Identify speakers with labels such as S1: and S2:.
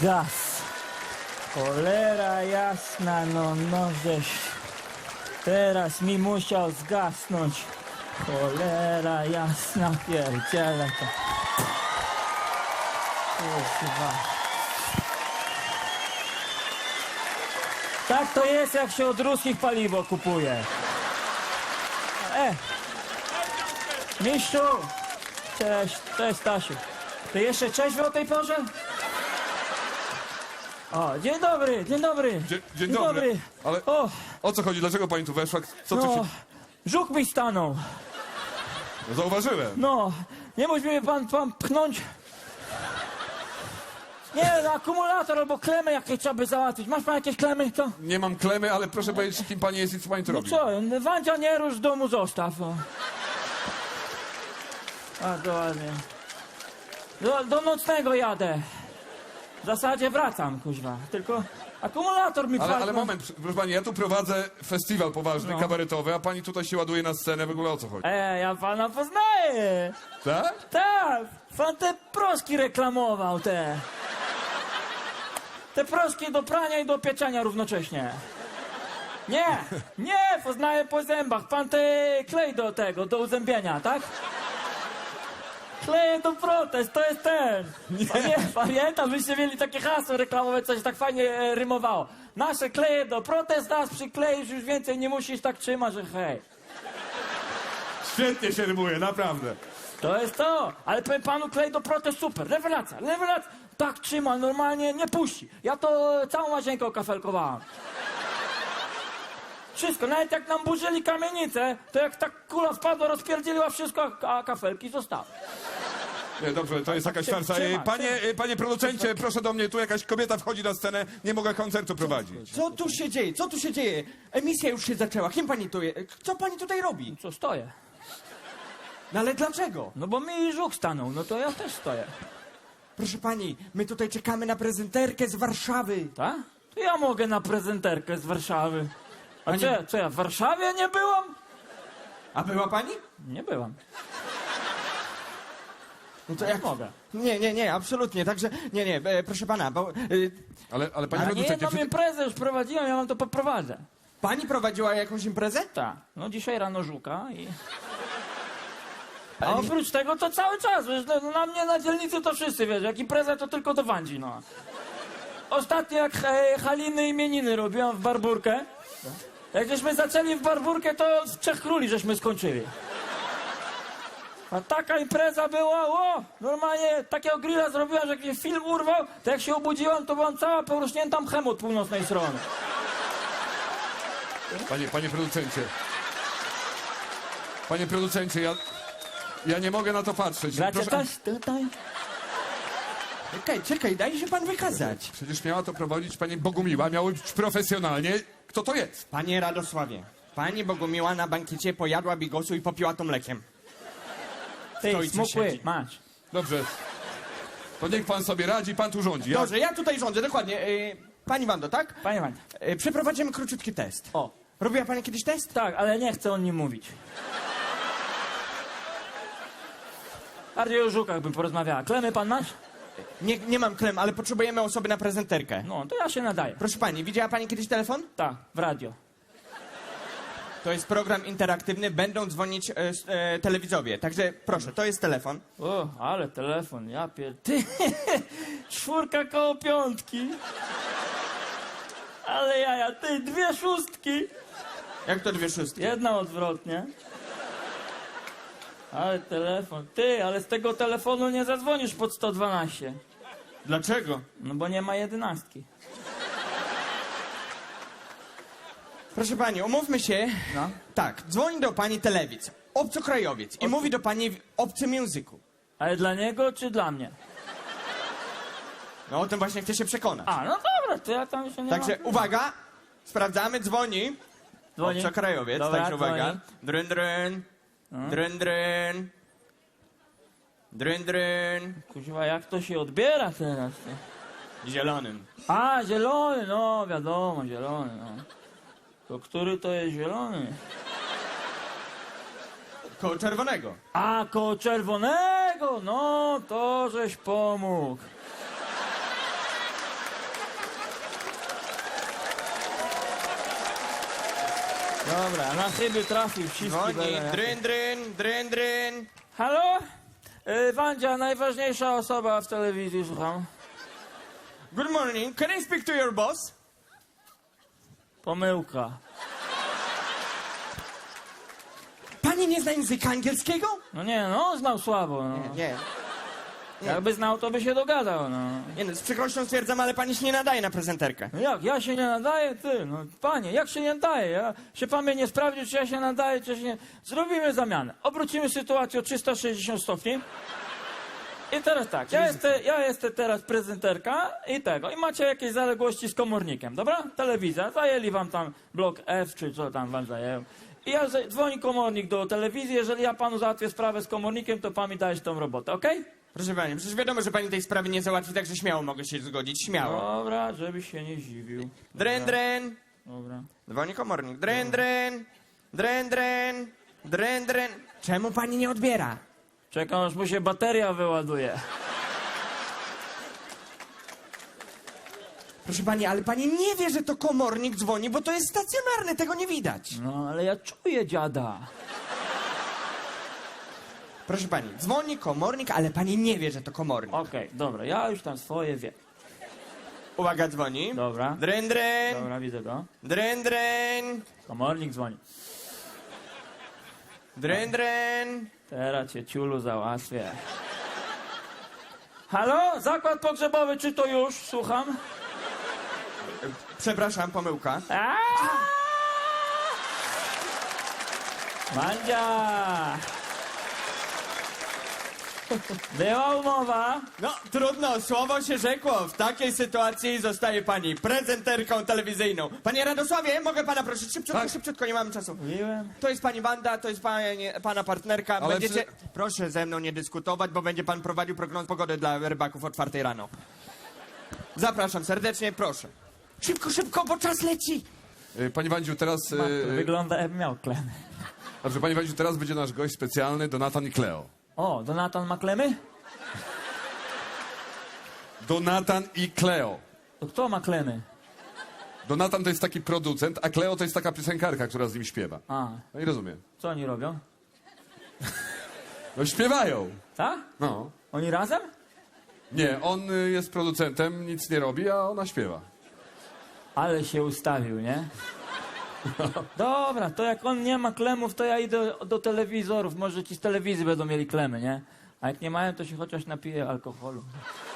S1: Gaz. Cholera jasna, no żeś teraz mi musiał zgasnąć. Cholera jasna, pierdziele to. Kurwa. Tak to jest, jak się od ruskich paliwo kupuje. Mistrzu! Cześć Stasiu. Ty jeszcze trzeźwy o tej porze? O, dzień dobry.
S2: Dzień dobry. Ale o co chodzi? Dlaczego pani tu weszła? Co tu się...
S1: Żuk mi stanął.
S2: No, zauważyłem.
S1: No, nie mógł mnie pan pchnąć? Nie, no, akumulator albo klemy jakieś trzeba by załatwić. Masz pan jakieś klemy, co?
S2: Nie mam klemy, ale proszę powiedzieć, kim pani jest i co pani tu
S1: No
S2: robi.
S1: co, Wandzia nie rusz, w domu zostaw. O. A, dokładnie. Do nocnego jadę. W zasadzie wracam, kuźwa. Tylko akumulator mi
S2: Ale
S1: padł.
S2: moment, proszę pani, ja tu prowadzę festiwal poważny, kabaretowy, a pani tutaj się ładuje na scenę, w ogóle o co chodzi?
S1: Ja pana poznaję.
S2: Tak?
S1: Tak, pan te proski reklamował, te. Te proski do prania i do pieczenia równocześnie. Nie, poznaję po zębach. Pan te klej do tego, do uzębienia, tak? Kleje do protest, to jest ten. Pamiętam, byście mieli takie hasło reklamowe, coś tak fajnie rymowało. Nasze kleje do protest, nas przykleisz, już więcej nie musisz tak trzymać, że hej.
S2: Świetnie się rymuje, naprawdę.
S1: To jest to, ale powiem panu, klej do protest super, rewelacja. Tak trzyma, normalnie nie puści. Ja to całą łazienkę okafelkowałam. Wszystko, nawet jak nam burzyli kamienicę, to jak ta kula wpadła, rozpierdzieliła wszystko, a kafelki zostały.
S2: Nie, dobrze, to jest jakaś farsa. Panie producencie, proszę do mnie, tu jakaś kobieta wchodzi na scenę, nie mogę koncertu prowadzić.
S3: Co tu się dzieje? Emisja już się zaczęła. Kim pani tu jest? Co pani tutaj robi?
S1: Co, stoję?
S3: No ale dlaczego?
S1: No bo mi żuk stanął, no to ja też stoję.
S3: Proszę pani, my tutaj czekamy na prezenterkę z Warszawy.
S1: Tak? To ja mogę na prezenterkę z Warszawy. A
S3: Pani-
S1: co ja w Warszawie nie byłam?
S3: A była pani?
S1: Nie byłam.
S3: No to
S1: Jak mogę?
S3: Nie, absolutnie. Także, proszę pana, bo
S2: Ale panie
S1: A nie
S2: producencie,
S1: jedną imprezę już prowadziłem, ja wam to poprowadzę.
S3: pani prowadziła jakąś imprezę?
S1: Tak, no dzisiaj rano żuka i... A oprócz tego to cały czas, wiesz, no, na mnie na dzielnicy to wszyscy, wiesz, jak impreza to tylko do Wandzi, no. Ostatnio jak Haliny imieniny robiłam w Barburkę, jak żeśmy zaczęli w Barburkę, to w Trzech Króli żeśmy skończyli. A taka impreza była, normalnie takiego grilla zrobiłam, że jak mnie film urwał, to jak się obudziłam, to byłam cała porośnięta mchem od północnej strony.
S2: Panie producencie, ja nie mogę na to patrzeć.
S1: Gracie też tutaj?
S3: Czekaj, daj się pan wykazać.
S2: Przecież miała to prowadzić pani Bogumiła, miało być profesjonalnie. Kto to jest?
S3: Panie Radosławie, pani Bogumiła na bankiecie pojadła bigosu i popiła to mlekiem.
S1: Ty,
S3: Stoicie
S1: smukły,
S3: siedzi.
S1: masz.
S2: Dobrze. To niech pan sobie radzi, pan tu rządzi.
S3: Dobrze, ja tutaj rządzę, dokładnie. Pani Wando, tak?
S1: Panie Wanda.
S3: Przeprowadzimy króciutki test.
S1: O,
S3: Robiła pani kiedyś test?
S1: tak, ale nie chcę o nim mówić. Bardziej o żukach bym porozmawiała. Klemy pan masz?
S3: Nie mam klem, ale potrzebujemy osoby na prezenterkę.
S1: No, to ja się nadaję.
S3: Proszę pani, widziała pani kiedyś telefon?
S1: Tak, w radio.
S3: To jest program interaktywny, będą dzwonić telewidzowie. Także proszę, to jest telefon.
S1: O, ale telefon, ja Ty, 4 koło 5. Ale jaja, ty, 2 szóstki.
S3: Jak to 2 szóstki?
S1: Jedna odwrotnie. Ale telefon. Ty, ale z tego telefonu nie zadzwonisz pod 112.
S3: Dlaczego?
S1: No bo nie ma 11.
S3: Proszę pani, umówmy się.
S1: No.
S3: Tak, dzwoni do pani telewidz, obcokrajowiec i mówi do pani w obcym języku.
S1: Ale dla niego czy dla mnie?
S3: No o tym właśnie chcę się przekonać.
S1: A, no dobra, to ja tam się nie
S3: Także
S1: mam.
S3: uwaga, sprawdzamy, dzwoni.
S1: Dzwoni.
S3: Obcokrajowiec,
S1: Dobra,
S3: także uwaga.
S1: dzwoni.
S3: Dryn, dryn. Dryn, dryn. Dryn, dryn.
S1: Kuźwa, jak to się odbiera teraz? Ty?
S3: Zielonym.
S1: A, zielony, no wiadomo, zielony, no. To który to jest zielony?
S3: Koło czerwonego.
S1: A, koło czerwonego, no to żeś pomógł. Dobra, na chyby trafił, wszystkie
S3: Dzwoni,
S1: będą.
S3: dryn, dryn, dryn, dryn.
S1: Halo? Wandzia, najważniejsza osoba w telewizji, słucham.
S3: Good morning, can I speak to your boss?
S1: Pomyłka.
S3: Pani nie zna języka angielskiego?
S1: No nie, no, znał słabo, no.
S3: Nie.
S1: Jakby znał, to by się dogadał, no.
S3: Nie no, z przykrością stwierdzam, ale pani się nie nadaje na prezenterkę.
S1: No jak, ja się nie nadaję? Ty, no panie, jak się nie nadaję? Ja się pan mnie nie sprawdził, czy ja się nadaję, czy się nie... Zrobimy zamianę. Obrócimy sytuację o 360 stopni. I teraz tak, ja jestem teraz prezenterka i tego. I macie jakieś zaległości z komornikiem, dobra? Telewizja, zajęli wam tam blok F, czy co tam wam zajęło. I dzwoni komornik do telewizji, jeżeli ja panu załatwię sprawę z komornikiem, to pan mi dajesz tą robotę, okej?
S3: Proszę pani, przecież wiadomo, że pani tej sprawy nie załatwi, także śmiało mogę się zgodzić, śmiało.
S1: Dobra, żebyś się nie zdziwił.
S3: Dryn, dryn.
S1: Dobra.
S3: Dzwoni komornik. Dryn, dryn. Dryn, dryn. Dryn, dryn. Czemu pani nie odbiera?
S1: Czekam, aż mu się bateria wyładuje.
S3: Proszę pani, ale pani nie wie, że to komornik dzwoni, bo to jest stacjonarne, tego nie widać.
S1: No, ale ja czuję dziada.
S3: Proszę pani, dzwoni komornik, ale pani nie wie, że to komornik.
S1: Okej, dobra, ja już tam swoje wiem.
S3: Uwaga, dzwoni.
S1: Dobra.
S3: Dryn, dryn.
S1: Dobra, widzę go.
S3: Dryn, dryn.
S1: Komornik dzwoni.
S3: Dryn, dryn.
S1: Teraz cię ciulu załatwię. Halo? Zakład pogrzebowy, czy to już? Słucham.
S3: Przepraszam, pomyłka.
S1: Mandzia! Była umowa.
S3: No, trudno, słowo się rzekło. W takiej sytuacji zostaje pani prezenterką telewizyjną. Panie Radosławie, mogę pana prosić? Szybciutko, szybciutko, nie mamy czasu.
S1: Mówiłem.
S3: To jest pani Wanda, to jest pana partnerka.
S2: Ale
S3: Będziecie... Proszę ze mną nie dyskutować, bo będzie pan prowadził prognozę pogody dla rybaków o 4 rano. Zapraszam serdecznie, proszę. Szybko, szybko, bo czas leci.
S2: Pani Wandziu, teraz...
S1: Wygląda jakby miał klemy.
S2: Dobrze, pani Wandziu, teraz będzie nasz gość specjalny, Donatan i Kleo.
S1: O, Donatan ma klemy?
S2: Donatan i Kleo.
S1: To kto ma klemy?
S2: Donatan to jest taki producent, a Kleo to jest taka piosenkarka, która z nim śpiewa.
S1: A,
S2: No i rozumiem.
S1: co oni robią?
S2: No śpiewają.
S1: Tak?
S2: No.
S1: Oni razem?
S2: Nie, on jest producentem, nic nie robi, a ona śpiewa.
S1: Ale się ustawił, nie? Dobra, to jak on nie ma klemów, to ja idę do telewizorów. Może ci z telewizji będą mieli klemy, nie? A jak nie mają, to się chociaż napiję alkoholu.